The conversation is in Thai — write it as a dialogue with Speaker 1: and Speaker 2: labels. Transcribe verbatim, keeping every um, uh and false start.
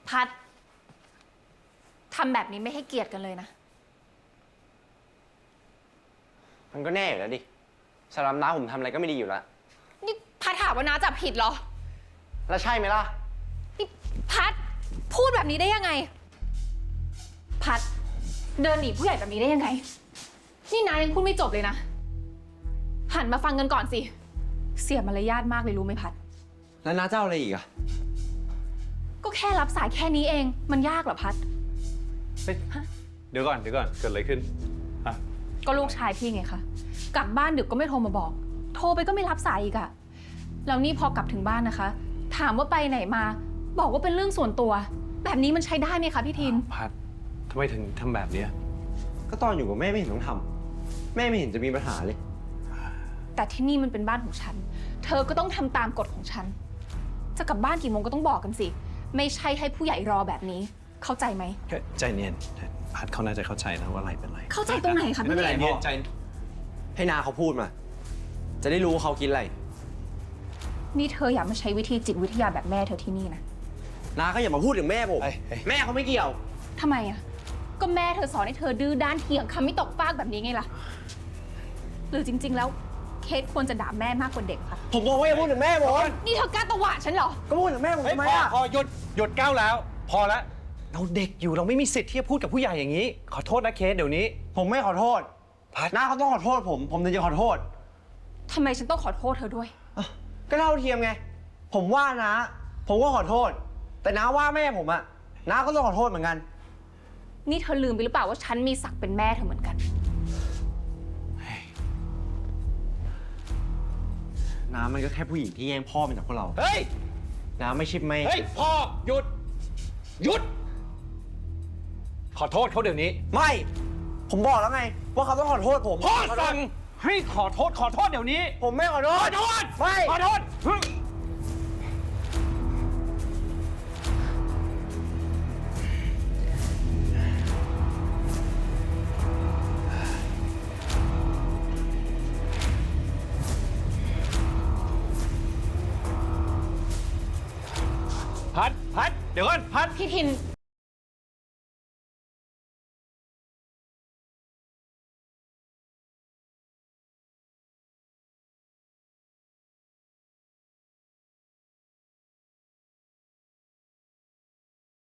Speaker 1: พัดทำแบบนี้ไม่ให้เกียรติกันเลยนะ
Speaker 2: มันก็แน่อยู่แล้วดิสำหรับน้าผมทำอะไรก็ไม่ดีอยู่แล้ว
Speaker 1: นี่พัดถามว่าน้าจับผิดเหรอ
Speaker 2: แล้วใช่ไหมล่ะ
Speaker 1: นี่พัดพูดแบบนี้ได้ยังไง พัดเดินหนีผู้ใหญ่แบบนี้ได้ยังไง นี่นายยังพูดไม่จบเลยนะ หันมาฟังกันก่อนสิ เสียมารยาทมากเลยรู้ไหมพัด
Speaker 2: แล้วน้าเจ้าอะไรอีกอะ
Speaker 1: ก็แค่รับสายแค่นี้เอง มันยากเหรอพัด
Speaker 3: เฮ้ยเดี๋ยวก่อนเดี๋ยวก่อนเกิดอะไรขึ้นอ่ะ
Speaker 1: ก็ลูกชายพี่ไงคะ กลับบ้านดึกก็ไม่โทรมาบอก โทรไปก็ไม่รับสายอีกอะแล้วนี่พอกลับถึงบ้านนะคะ ถามว่าไปไหนมา บอกว่าเป็นเรื่องส่วนตัว แบบนี้มันใช้ได้ไหมคะพี่ทิน
Speaker 3: พัดทำไมถึงทำแบบเนี้ย
Speaker 2: ก็ตอนอยู่กับแม่ไม่เห็นต้องทำแม่ไม่เห็นจะมีปัญหาเลย
Speaker 1: แต่ที่นี่มันเป็นบ้านของฉัน เธอก็ต้องทำตามกฎของฉัน จะกลับบ้านกี่โมงก็ต้องบอกกันสิ ไม่ใช่ให้ผู้ใหญ่รอแบบนี้ เข้าใจไหม
Speaker 3: แค่ใจเย็นพัดเขาน่าจะเข้าใจนะว่าอะไรเป็นไร
Speaker 1: เข้าใจตรงไหนคะ
Speaker 2: ไม่
Speaker 1: พี่
Speaker 2: เป็นไร
Speaker 1: ทิน
Speaker 2: พ่อ
Speaker 3: ใจ
Speaker 2: ให้นาเขาพูดมา จะได้รู้ว่าเขาคิดอะไร
Speaker 1: นี่เธออยากมาใช้วิธีจิตวิทยาแบบแม่เธอที่นี่นะ
Speaker 2: นาก็อย่ามาพูดถึงแม่ผม
Speaker 3: เฮ้ยเฮ้ย
Speaker 2: แม่เขาไม่เกี่ยว
Speaker 1: ทำไมอะก็แม่เธอสอนให้เธอดื้อด้านเถียงคำไม่ตกฟากแบบนี้ไงล่ะ หรือจริง ๆ แล้วเคสควรจะด่าแม่มากกว่าเด็กคะ
Speaker 2: ผมบอกว่าอย่าพูดถึงแม่ผม
Speaker 1: นี่เธอกล้าตวาดฉันเหรอ
Speaker 2: ก็พูดถึงแม่ผม
Speaker 3: เฮ้ย
Speaker 2: ทำไม
Speaker 3: พอ
Speaker 2: อะ
Speaker 3: พอหยุดหยุดก้าวแล้ว พอแล้วเราเด็กอยู่เราไม่มีสิทธิ์ที่จะพูดกับผู้ใหญ่อย่างนี้ ขอโทษนะเคสเดี๋ยวนี้
Speaker 2: ผมไม่ขอโทษ
Speaker 3: พัด
Speaker 2: น้าเขาต้องขอโทษผม ผมถึงจะขอโทษ
Speaker 1: ทำไมฉันต้องขอโทษเธอด้วย
Speaker 2: อ่ะก็เท่าเทียมไง ผมว่านะ ผมก็ขอโทษ แต่น้าว่าแม่ผมอะน้าก็ต้องขอโทษเหมือนกัน
Speaker 1: นี่เธอลืมไปหรือเปล่าว่าฉันมีศักดิ์เป็นแม่เธอเหมือนกัน
Speaker 2: น้ามันก็แค่ผู้หญิงที่แย่งพ่อมาจากพวกเรา
Speaker 3: เฮ้ย
Speaker 2: น้าไม่ใช่แม่
Speaker 3: เฮ้ยพ่อหยุดหยุด ขอโทษเขาเดี๋ยวนี้
Speaker 2: ไม่ ผมบอกแล้วไงว่าเขาต้องขอโทษผม
Speaker 3: พ่อ
Speaker 2: ขโทษ
Speaker 3: สั่งให้ขอโทษขอโทษเดี๋ยวนี้
Speaker 2: ผมไม่ขอโท
Speaker 3: ข
Speaker 2: ษ
Speaker 3: อโทษ
Speaker 2: ไม่
Speaker 3: ขอโทษ พัดพัดเดี๋ยวก่อนพัด
Speaker 1: พี่ทิน